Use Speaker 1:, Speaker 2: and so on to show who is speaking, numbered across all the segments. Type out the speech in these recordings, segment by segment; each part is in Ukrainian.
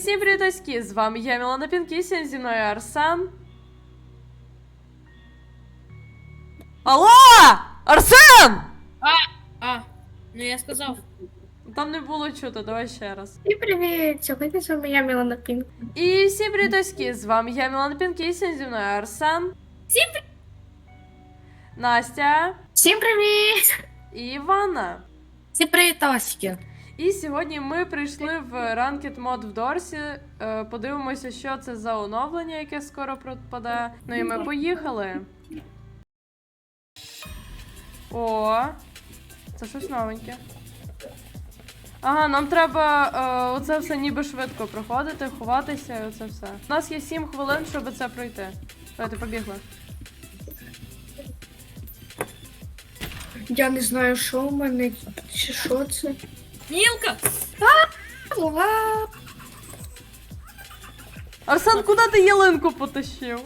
Speaker 1: всім привітоськи! З вами я, Мілана Пінкісін, зі мною Арсен. Алло! Арсен!
Speaker 2: Ну я сказав.
Speaker 1: Там не було чути, давай ще раз.
Speaker 3: І привіт! Сьогодні з вами я, Мілана Пінк.
Speaker 1: І всім привітоськи! З вами я, Мілана Пінкісін, зі мною Арсен.
Speaker 2: Всім
Speaker 1: Настя.
Speaker 3: Всім привіт!
Speaker 1: І Івана.
Speaker 2: Всім привітосики.
Speaker 1: І сьогодні ми прийшли в Ranked Mod в Дорсі. Подивимося, що це за оновлення, яке скоро пропаде. Ну і ми поїхали. О, це щось новеньке. Ага, нам треба оце все ніби швидко проходити, ховатися і оце все. У нас є 7 хвилин, щоб це пройти. Давайте, побігли.
Speaker 3: Я не знаю, що у мене, чи що це.
Speaker 2: Мілка!
Speaker 1: Арсен, куди ти ялинку потащив?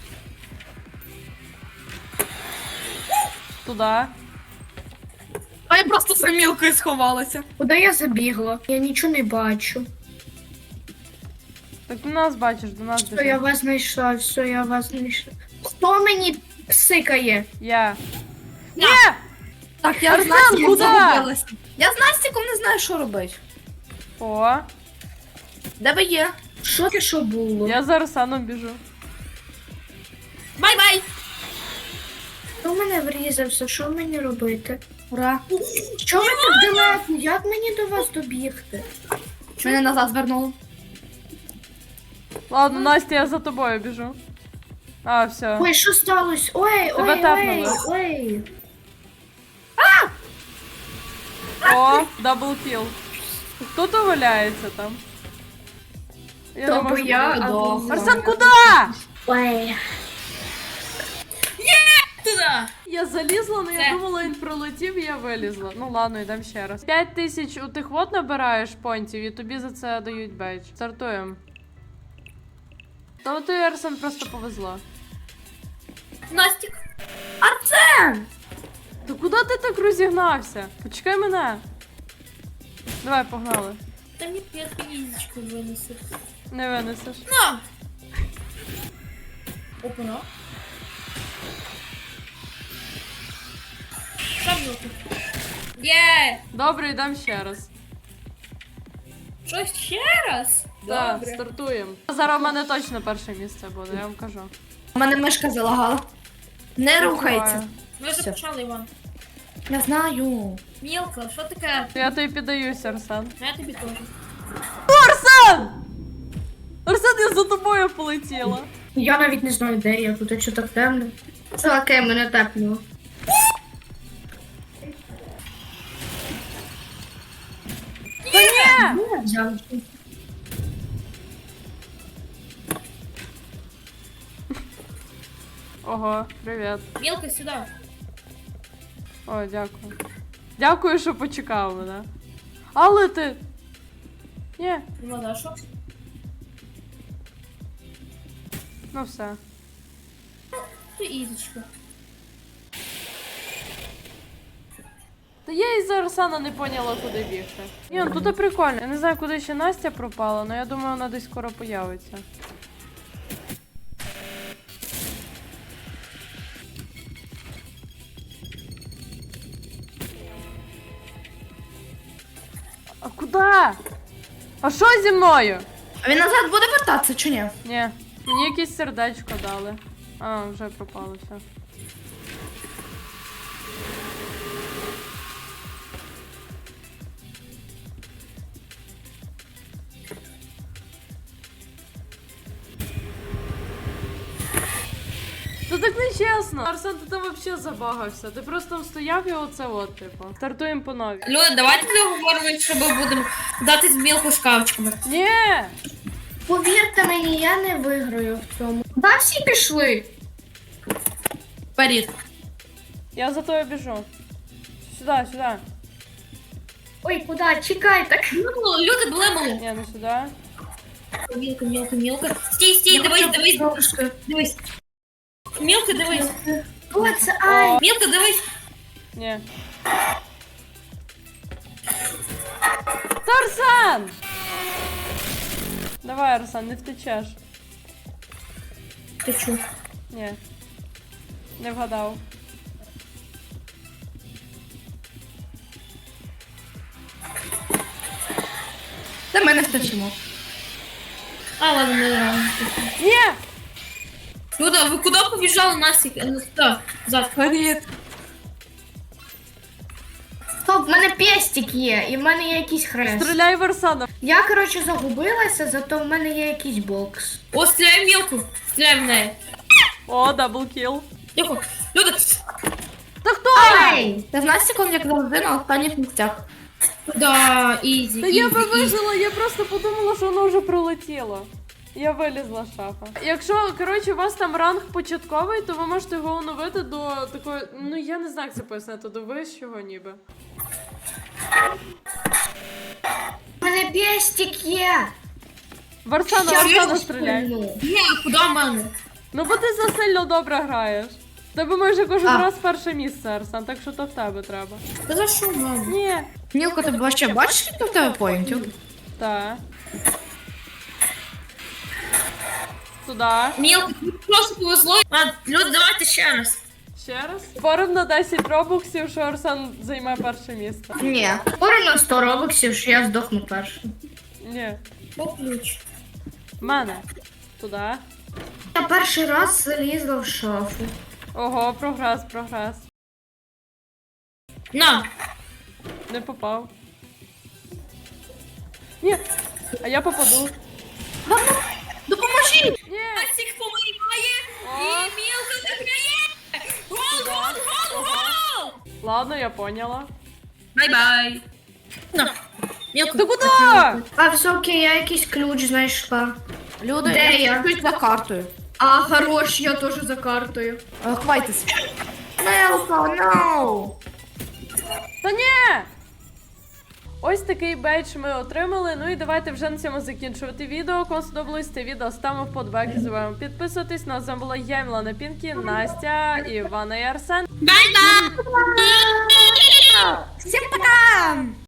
Speaker 1: Туди.
Speaker 2: А я просто за мілкою сховалася.
Speaker 3: Куди я забігла? Я нічого не бачу.
Speaker 1: Так ти нас бачиш, до нас
Speaker 3: Все,
Speaker 1: біжи.
Speaker 3: я вас знайшла, все, я вас знайшла. Хто мені псикає?
Speaker 1: Я.
Speaker 2: Я.
Speaker 1: Ні!
Speaker 2: Так, я
Speaker 1: Арсен,
Speaker 2: з Настіком
Speaker 1: куди?
Speaker 2: загубилася. Я з Настіком не знаю, що робити.
Speaker 1: О,
Speaker 2: Де ви є?
Speaker 3: Що це що було?
Speaker 1: я за Арсеном біжу.
Speaker 2: Бай-бай!
Speaker 3: Хто в мене врізався? Що мені робити?
Speaker 2: Ура!
Speaker 3: Що ви так далеко? Як мені до вас добігти?
Speaker 2: Мене назад звернуло.
Speaker 1: Ладно, Настя, я за тобою біжу. А, все.
Speaker 3: Ой, що сталося? Ой,
Speaker 1: Тебе
Speaker 3: ой,
Speaker 1: тапнули.
Speaker 3: ой.
Speaker 1: О, дабл кіл. Хто то валяється там? Я
Speaker 3: То
Speaker 1: не
Speaker 3: бо
Speaker 1: можу
Speaker 3: я,
Speaker 1: подивитися.
Speaker 3: або ви.
Speaker 1: Арсен, куди?
Speaker 3: Ой.
Speaker 2: Туди!
Speaker 1: Я залізла, але я
Speaker 2: Це.
Speaker 1: думала, він пролетів, і я вилізла. Ну ладно, йдемо ще раз. 5000 у тих вот набираєш понтів, і тобі за це дають бейдж. Стартуємо. Та ти, Арсен, просто повезло.
Speaker 2: Настік! Арсен!
Speaker 1: Та куди ти так розігнався? Почекай мене. Давай, погнали.
Speaker 2: Та мені я фізичку винесу.
Speaker 1: Не винесеш.
Speaker 2: На! Опа. Що мілка? Є!
Speaker 1: Добре, йдемо ще раз.
Speaker 2: Що ще раз?
Speaker 1: Так, стартуємо. Зараз в мене точно перше місце буде, я вам кажу.
Speaker 2: У мене мишка залагала. Не
Speaker 1: рухається.
Speaker 2: Ми вже
Speaker 3: Все.
Speaker 2: почали, Іван. Я знаю. Мілка, що таке?
Speaker 1: Я тобі піддаюся, Арсен.
Speaker 2: Я тобі теж.
Speaker 1: Арсен! Арсен, я за тобою полетіла.
Speaker 3: Я навіть не знаю, де я, тут що так темно. Це окей, мене тепнуло.
Speaker 1: Та ні!
Speaker 3: Ну, взяв.
Speaker 1: Ого, привіт.
Speaker 2: Мілка, сюди.
Speaker 1: О, дякую. Дякую, що почекав мене. Але ти. Ні,
Speaker 2: Ну, да, що?
Speaker 1: ну все.
Speaker 2: Ти ізичка.
Speaker 1: Та я із Арсена не поняла, куди бігти. Ні, ну тут прикольно. Я не знаю, куди ще Настя пропала, але я думаю, вона десь скоро появиться. А куди? А що зі мною?
Speaker 2: А він назад буде вертатися чи ні?
Speaker 1: Ні, мені якесь сердечко дали. А, вже пропало все. Це так нечесно. Арсен, ти там взагалі забагався. Ти просто там стояв і оце от, типу. Стартуємо по новій.
Speaker 2: Люди, давайте договоримо, що ми будемо дати з мілку шкафчиками.
Speaker 1: Ні!
Speaker 3: Повірте мені, я не виграю в цьому. Да, всі пішли.
Speaker 2: Вперед.
Speaker 1: Я за тобою біжу. Сюди, сюди.
Speaker 3: Ой, куди? Чекай, так.
Speaker 2: Люди, блемали.
Speaker 1: Ні, не сюди.
Speaker 2: Мілка, мілка, мілка. Стій, стій, дивись, дивись,
Speaker 3: Трошки.
Speaker 2: дивись. Мілка, дивись.
Speaker 3: О, це ай.
Speaker 2: Мілка, дивись.
Speaker 1: Ні. Тарзан! Давай. Давай, Арсен, не втечеш.
Speaker 2: Ти чу.
Speaker 1: Ні. Не вгадав.
Speaker 4: Та ми не втечемо.
Speaker 2: А, ладно, не рано.
Speaker 1: Ні!
Speaker 2: Люда, ви куди побіжали Насік? Так, завтра.
Speaker 4: Привіт.
Speaker 3: Стоп, в мене пестик є, і в мене є якийсь хрест.
Speaker 1: Стріляй в Арсена.
Speaker 3: Я, коротше, загубилася, зато в мене є якийсь бокс.
Speaker 2: О, стріляй в мілку. Стріляй в неї.
Speaker 1: О, даблкіл.
Speaker 2: Тихо. Люда,
Speaker 1: Та хто?
Speaker 3: Ей!
Speaker 4: Та в нас секунд, як завжди, на останніх місцях.
Speaker 2: да, ізі,
Speaker 1: Та я
Speaker 2: ізі,
Speaker 1: би
Speaker 2: ізі.
Speaker 1: вижила, я просто подумала, що воно вже прилетіло. Я вилізла з шафа. Якщо, коротше, у вас там ранг початковий, то ви можете його оновити до такої, ну я не знаю, як це пояснити, до вищого ніби.
Speaker 3: В мене пестик є!
Speaker 1: В Арсена,
Speaker 3: Я
Speaker 1: Арсена
Speaker 3: його
Speaker 1: стріляй.
Speaker 3: стрільну.
Speaker 2: Ні, куди в мене?
Speaker 1: Ну бо ти засильно добре граєш. В Тебе майже кожен
Speaker 3: А.
Speaker 1: раз перше місце, Арсен, так що то в тебе треба.
Speaker 2: Та за що в мене?
Speaker 1: Ні.
Speaker 4: Мілко, ти вообще бачиш, скільки в тебе поінтів?
Speaker 1: Так. Туда.
Speaker 2: Мілка, тобі просто повезло. А, Люда, давайте ще раз.
Speaker 1: Ще раз. Спорим на 10 робоксів, що Арсен займе перше місце.
Speaker 3: Ні. Скоро на 100 робоксів, що я здохну першим.
Speaker 1: Ні.
Speaker 2: О, ключ.
Speaker 1: В мене. Туда.
Speaker 3: Я перший раз залізла в шафу.
Speaker 1: Ого, прогрес, прогрес.
Speaker 2: На.
Speaker 1: Не попав. Ні. А я попаду.
Speaker 2: Допоможіть!
Speaker 1: Ні.
Speaker 2: Насік помирає,
Speaker 1: О.
Speaker 2: і Мілка виграє! Гол, гол, гол, гол!
Speaker 1: Ладно, я поняла.
Speaker 2: Бай-бай. На. Мілка.
Speaker 1: Ти куди?
Speaker 3: А все окей, я якийсь ключ знайшла.
Speaker 4: Люди,
Speaker 3: Де я?
Speaker 4: чуть за картою.
Speaker 3: А, хорош, я теж за картою.
Speaker 4: Хвайтесь. Мілко, no!
Speaker 1: Та ні! Ось такий бейдж ми отримали. Ну і давайте вже на цьому закінчувати відео. Кому сподобалось це відео, ставимо вподобайки, забуваємо підписуватись. Ну а з вами була я, Мілана Пінкі, Настя, Івана і Арсен.
Speaker 2: Бай-бай!
Speaker 4: Всім пока!